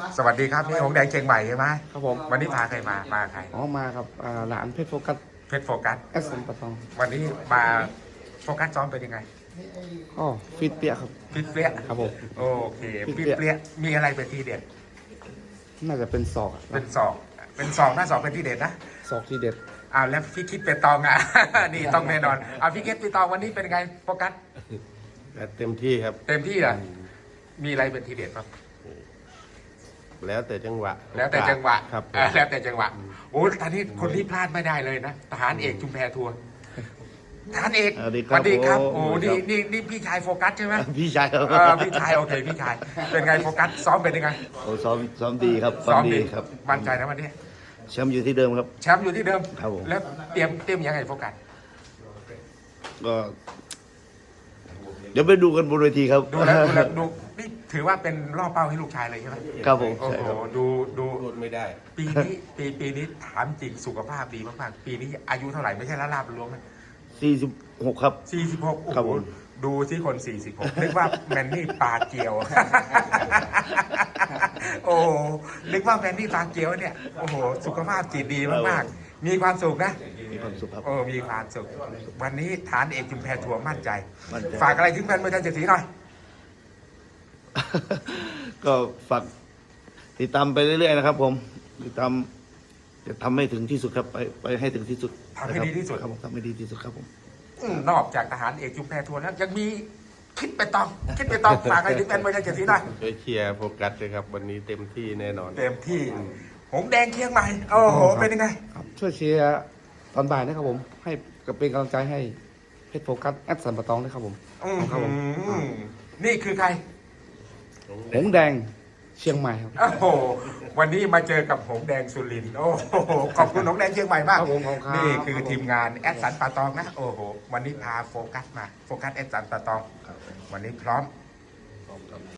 สวัสดีครับนี่หงแดงเชียงใหม่ใช่ไหมครับผมวันนี้พาใครมาใครอ๋อมากับหลานเพชรโฟกัสเพชรโฟกัสแอสซัมปะตองวันนี้มาโฟกัสซ้อมเป็นยังไงก็ฟิตเปียครับฟิตเปรี้ยครับผมโอเคฟิฟิตตเปรี้ยเปรี้ยมีอะไรเป็นทีเด็ดน่าจะเป็นศอกเป็นศอกหน้าศอกเป็นทีเด็ดนะศอกที่เด็ดแล้วพี่คิดเป็นตองอ่ะ นี่ต้องแน่นอนพี่คิดเป็นตองวันนี้เป็นยังไงโฟกัสเต็มที่ครับเต็มที่อ่ะมีอะไรเป็นทีเด็ดครับแล้วแต่จังหวะแล้วแต่จังหวะครับแล้วแต่จังหวะโอ้ตอนนี้คนที่พลาดไม่ได้เลยนะทหารเอกชุมแพทัวร์ทหารเอกสวัสดีสครับวัสดีครับผมโอ้นี่พี่ชายโฟกัสใช่ไหมพี่ชายครับพี่ชายโอเคพี่ชายเป็นไงโฟกัสซ้อมเป็นยังไงโอ้ซ้อมดีครับซ้อมดีครับมั่นใจนะวันนี้แชมป์อยู่ที่เดิมครับแชมป์อยู่ที่เดิมครับผมแล้วเตรียมยังไงโฟกัสก็เดี๋ยวไปดูกันบนเวทีครับดูนี่ถือว่าเป็นล่อเป้าให้ลูกชายเลยใช่ไหมครับผมโอ้ใช่โหครับดูไม่ได้ปีนี้ถามจริงสุขภาพดีมากๆปีนี้อายุเท่าไหร่ไม่ใช่ละลาบล้วงนะ 46ครับ 46โอ้ครับโหผมดูที่คน 46นึกว่าแมนนี่ปลาเกียว โอ้โหนึกว่าแมนนี่ปลาเกียวเนี่ยโอ้โหสุขภาพจิตดีมากๆมีความสุขนะมีความสุขครับโอ้มีความสุขวันนี้ฐานเอกชุมแพทัวร์มั่นใจมั่นใจฝากอะไรถึงแฟนมวยไทยเจ็ดสีหน่อยก็ฝากติดตามไปเรื่อยๆนะครับ ผมติดตามจะทำให้ถึงที่สุดครับไปให้ถึงที่สุดทำให้ดีที่สุดครับผมทำให้ดีที่สุดครับผมนอกจากทหารเอกชุมแพทัวร์แล้วยังมีคิดไปตองฝากอะไรถึงแฟนมวยไทยเจ็ดสีหน่อยช่วยเชียร์โฟกัสเลยครับ วันนี้เต็มที่แน่นอนเต็มที่หงแดงเชียงใหม่โอ้โหเป็นยังไงครับช่วยเชียร์ตอนบ่ายนะครับผม ให้เป็นกำลังใจให้เพชรโฟกัสแอสซัมปะตองด้วยครับผม ครับผมนี่คือใครหงแดงเชียงใหม่ครับโอ้โห วันนี้มาเจอกับหงแดงสุรินทร์โอ้โห ขอบคุณหงแดงเชียงใหม่มากครับผมขอบคุณครับนี่คือทีมงานแอดสันปาตองนะ โอ้โห วันนี้พาโฟกัสมา โฟกัสแอดสันปาตอง วันนี้พร้อม